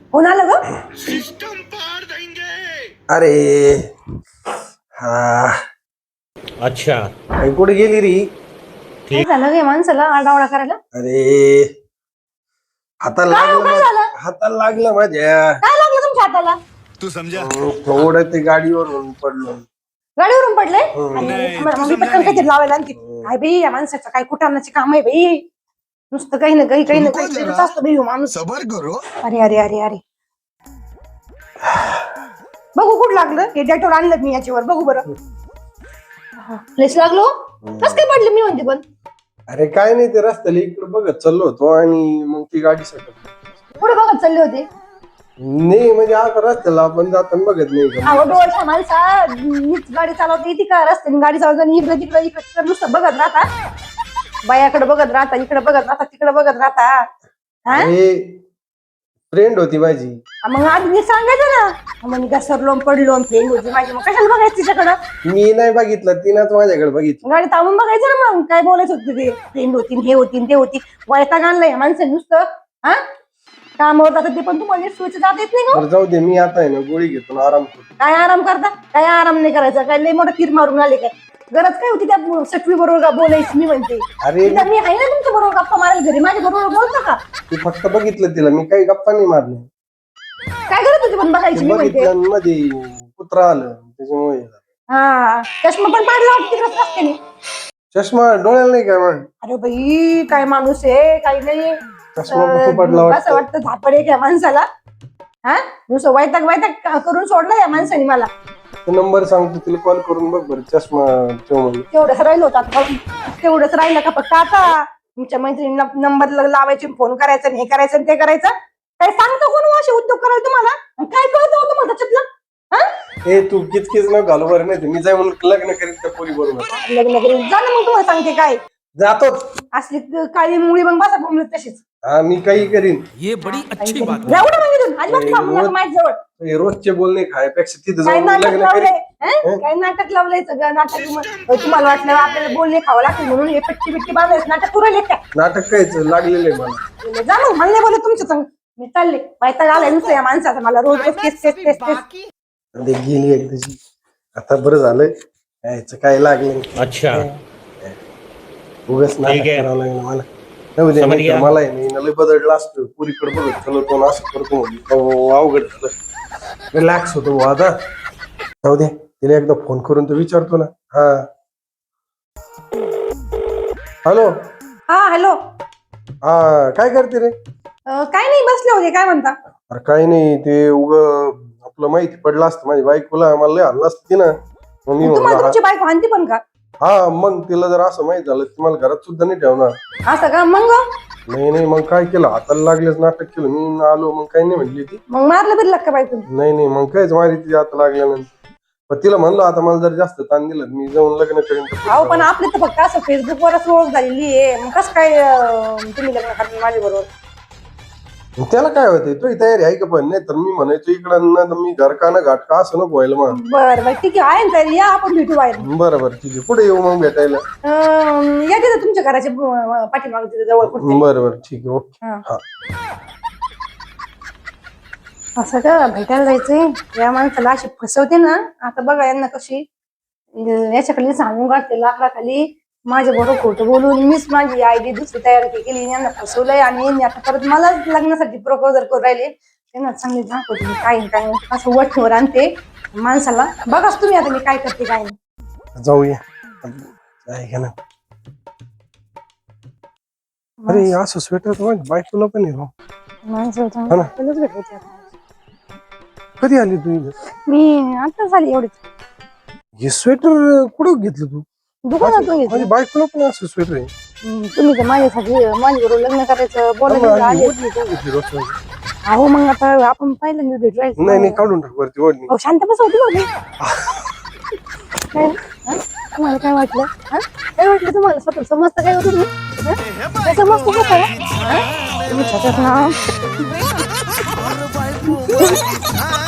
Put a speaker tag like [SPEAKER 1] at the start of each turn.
[SPEAKER 1] कोण आलं ग?
[SPEAKER 2] अरे हा
[SPEAKER 3] अच्छा
[SPEAKER 2] कुठे गेली री?
[SPEAKER 1] काय झालं गे माणसाला आरडाओरडा करायला?
[SPEAKER 2] अरे हाताला
[SPEAKER 1] काय हो,
[SPEAKER 2] लागलं
[SPEAKER 1] काय झालं?
[SPEAKER 2] हाताला लागलं माझ्या.
[SPEAKER 1] काय लागलं तुमच्या हाताला?
[SPEAKER 4] तू समझा
[SPEAKER 2] थोडं ते गाडीवरून पडलो.
[SPEAKER 1] गाडीवरून पडले?
[SPEAKER 4] नाही,
[SPEAKER 1] मग
[SPEAKER 4] तू
[SPEAKER 1] मी
[SPEAKER 4] समजा
[SPEAKER 1] पटकन
[SPEAKER 4] नाही.
[SPEAKER 1] काहीतरी लावायला आणते. काय बाई या माणसाचं काय कुटाणाचे काम आहे बाई. नुसतं काही ना काही
[SPEAKER 4] रुको
[SPEAKER 1] काही
[SPEAKER 4] जरा.
[SPEAKER 1] करत असतो बाई हो माणूस.
[SPEAKER 4] सबर करो.
[SPEAKER 1] अरे अरे अरे अरे बघू कुठं लागलं हे डेटोर आणलं मी याच्यावर बघू बरं. लेस लागलो कस काय पडले मी म्हणते पण.
[SPEAKER 2] अरे काय नाही ते रस्त्याला इकडे बघत चाललो होतो आणि मग ती गाडी सटकली.
[SPEAKER 1] कुठे बघत चालले होते?
[SPEAKER 2] नाही म्हणजे आता रस्त्याला आपण जाताना बघत नाही का?
[SPEAKER 1] अहो डोळ्याच्या माणसा मीच गाडी चालवते येते का रस्त्याने गाडी चालवताना इकडे तिकडे इकडे नुसतं बघत राहता. बायाकडे बघत राहता इकडे बघत राहता तिकडे बघत राहता. हा
[SPEAKER 2] फ्रेंड होती माझी.
[SPEAKER 1] मग आधी सांगायचं ना मग मी घसरलो पडलो फ्रेंड होती माझी मग कशाला बघायचं तिच्याकडं.
[SPEAKER 2] मी नाही बघितलं तिनंच माझ्याकडे बघितलं.
[SPEAKER 1] गाडी थांबून बघायचं ना मग काय बोलायचं होतं ते फ्रेंड होती हे होती ते होती. वैताग आणलंय माणसं नुसतं. हा कामावर जातात ते पण तुम्हाला सोयीचं जात येत नाही का?
[SPEAKER 2] बरं जाऊ दे मी आता आहे ना गोळी घेतो ना आराम करतो.
[SPEAKER 1] काय आराम करता काय आराम नाही करायचा काय लय मोठा तीर मारून आले काय गरज काय होती त्या सटवी बरोबर बोलायची मी म्हणते.
[SPEAKER 2] अरे
[SPEAKER 1] तिथं मी आहे ना तुमच्या बरोबर गप्पा मारायला घरी माझ्या बरोबर बोलता का?
[SPEAKER 2] तू फक्त बघितलं तिला मी काही गप्पा नाही मारले.
[SPEAKER 1] काय करत होती पण बघायची मी म्हणते.
[SPEAKER 2] बघितलं मध्ये कुत्रा आलं त्याच्यामुळे झालं.
[SPEAKER 1] हा चष्मा पण पाडला वाटतं तिकडे रस्त्याने.
[SPEAKER 2] चष्मा डोळ्याला नाही काय मग?
[SPEAKER 1] अरे बाई काय माणूस आहे काही नाही.
[SPEAKER 2] चष्मा कुठं पडला
[SPEAKER 1] असं वाटतं झापड आहे या माणसाला. हा नुसतं वैताग वैताग करून सोडला या माणसाने मला.
[SPEAKER 2] नंबर सांगतो तिला कॉल करून बघ बरं चष्मा ठेव म्हणून.
[SPEAKER 1] तेवढंच राहिलं होतं आता तेवढंच राहिलं का फक्त आता तुमच्या मैत्रिणीला नंबर लावायचे फोन करायचं आणि हे करायचं आणि ते करायचं. काय सांगतो कोण असे उद्योग करायला तुम्हाला आणि काय कळतं होतं मला त्याच्यातलं.
[SPEAKER 2] ए तू किचकिच न घालू बरं नाही मी जाय म्हणून लग्न करीत त्या पोरी बरोबर.
[SPEAKER 1] लग्न करून जा ना मग तुम्हाला सांगते काय
[SPEAKER 2] जातोच.
[SPEAKER 1] असली काळी मुळी मग बसा बोंबलत तशीच.
[SPEAKER 2] हा मी काही करीन.
[SPEAKER 3] ये बड़ी अच्छी बात है।
[SPEAKER 1] जाऊ ना मग इथून अजिबात थांबू नका माझ्या जवळ.
[SPEAKER 2] हे रोजचे बोलणे खायपेक्षा तिथे
[SPEAKER 1] काय
[SPEAKER 2] जाऊन
[SPEAKER 1] नाटक
[SPEAKER 2] लग्न
[SPEAKER 1] लावलंय
[SPEAKER 2] करीन.
[SPEAKER 1] काय नाटक लावलंय सगळं नाटक तुम्हाला वाटलं आपल्याला बोलणे खावं लागतील म्हणून हे पट्टी बिट्टी बांधायचं नाटक पुरवले काय.
[SPEAKER 2] नाटक कायचं लागलेलं आहे मला.
[SPEAKER 1] जा मग मला नाही बोलत तुमच्या संग मी चालले वैताग आलाय नुसतं या माणसाचा मला रोज रोज तेच तेच तेच तेच.
[SPEAKER 2] ते गेली एकदाची आता बरं झालं यायचं काय लागलं.
[SPEAKER 3] अच्छा
[SPEAKER 2] उगाच नाटक
[SPEAKER 3] ठीक आहे.
[SPEAKER 2] करावं लागलं मला. जाऊ दे,
[SPEAKER 3] समज
[SPEAKER 2] नाहीतर
[SPEAKER 3] गया.
[SPEAKER 2] मला आहे ना लय बदललं असतं पुरीकडे बघत चलो तो असं करतो म्हणून. अवघड झालं रिलॅक्स होतो बुवा आता. जाऊ दे तिला एकदा फोन करून तर विचारतो ना. हा हॅलो.
[SPEAKER 1] हा हॅलो
[SPEAKER 2] हा काय करते रे?
[SPEAKER 1] काय नाही बसले होते काय म्हणता.
[SPEAKER 2] अरे काही नाही ते उग आपलं माहिती पडलं असतं माझी बायकोला मला लय हल्ला असती ना मग मी
[SPEAKER 1] तुम्हाला
[SPEAKER 2] म्हणलं
[SPEAKER 1] तुमची बायको आणते पण का?
[SPEAKER 2] हा मग तिला जर असं माहित झालं ती मला घरात सुद्धा नाही ठेवणार.
[SPEAKER 1] असं का मग
[SPEAKER 2] नाही नाही मग काय केलं हाताला लागलेच नाटक केलं मी आलो मग काही नाही म्हणली ती.
[SPEAKER 1] मग मारलं बिरलं का बायको?
[SPEAKER 2] नाही नाही मग कायच मारी ती आता लागल्यानंतर. पण तिला म्हणलो आता मला जर जास्त ताण दिलं मी जाऊन लग्न करीन.
[SPEAKER 1] अहो पण आपली तर फक्त असं फेसबुकवरच ओळख झालेली आहे मग कसं काय तुम्ही लग्न करणार माझ्या बरोबर.
[SPEAKER 2] त्याला काय होतंय तुझी तयारी आहे का पण नाही तर मी म्हणायचो इकडं ना मी घर का ना घाट का असं नको व्हायला मग.
[SPEAKER 1] बरं बरं ठीक आहे ना तरी या आपण भेटू बाहेर.
[SPEAKER 2] बरं बरं ठीक आहे कुठे येऊ मग भेटायला?
[SPEAKER 1] या तिथं तुमच्या घराच्या पाठीमागे तिथं जवळ कुठे.
[SPEAKER 2] बरं बरं ठीक आहे ओके.
[SPEAKER 1] हा.
[SPEAKER 2] हा
[SPEAKER 1] असं का भेटायला जायचंय या माणसाला अशी फसवते ना आता बघा यांना कशी याच्याखाली सांगून काढते लाकडाखाली माझ्या बरोबर खोटं बोलून मीच माझी आयडी दुसरी तयार केली यांना फसवलंय आणि यांनी आता परत मला लग्नासाठी प्रपोजल करू राहिले. त्यांना चांगली दाखवते मी काय काय असं वठवर आणते माणसाला. बघाच तुम्ही आता मी काय करते काय नाही.
[SPEAKER 2] जाऊया आहे का ना. अरे असं स्वेटर तर माझ्या बायकोला पण आहे राव.
[SPEAKER 1] माणसाला
[SPEAKER 2] ना.
[SPEAKER 1] आपल्यालाच भेटायचं आता.
[SPEAKER 2] कधी आली तू इथं?
[SPEAKER 1] मी आता झाली एवढीच
[SPEAKER 2] हे स्वेटर कुठं घेतलं तू?
[SPEAKER 1] दुकानातून
[SPEAKER 2] माझ्या
[SPEAKER 1] घेतली.
[SPEAKER 2] बायकोला पण असं स्वेटर आहे.
[SPEAKER 1] तुम्ही तर माझ्यासाठी माझ्याबरोबर लग्न करायचं बोलायला आले.
[SPEAKER 2] ओढणी का घेतली रोज?
[SPEAKER 1] अहो मग आता आपण पहिल्यांदा भेटवायचं.
[SPEAKER 2] नाही नाही काढून टाक वरती ओढणी.
[SPEAKER 1] अहो शांत बस होती बघ. काय हा? तुम्हाला काय वाटलं हा? काय वाटलं तुम्हाला स्वतः समजतं काय होतं तुम्ही हा? काय समजतं का काय? हा? तुम्ही त्याच्यात ना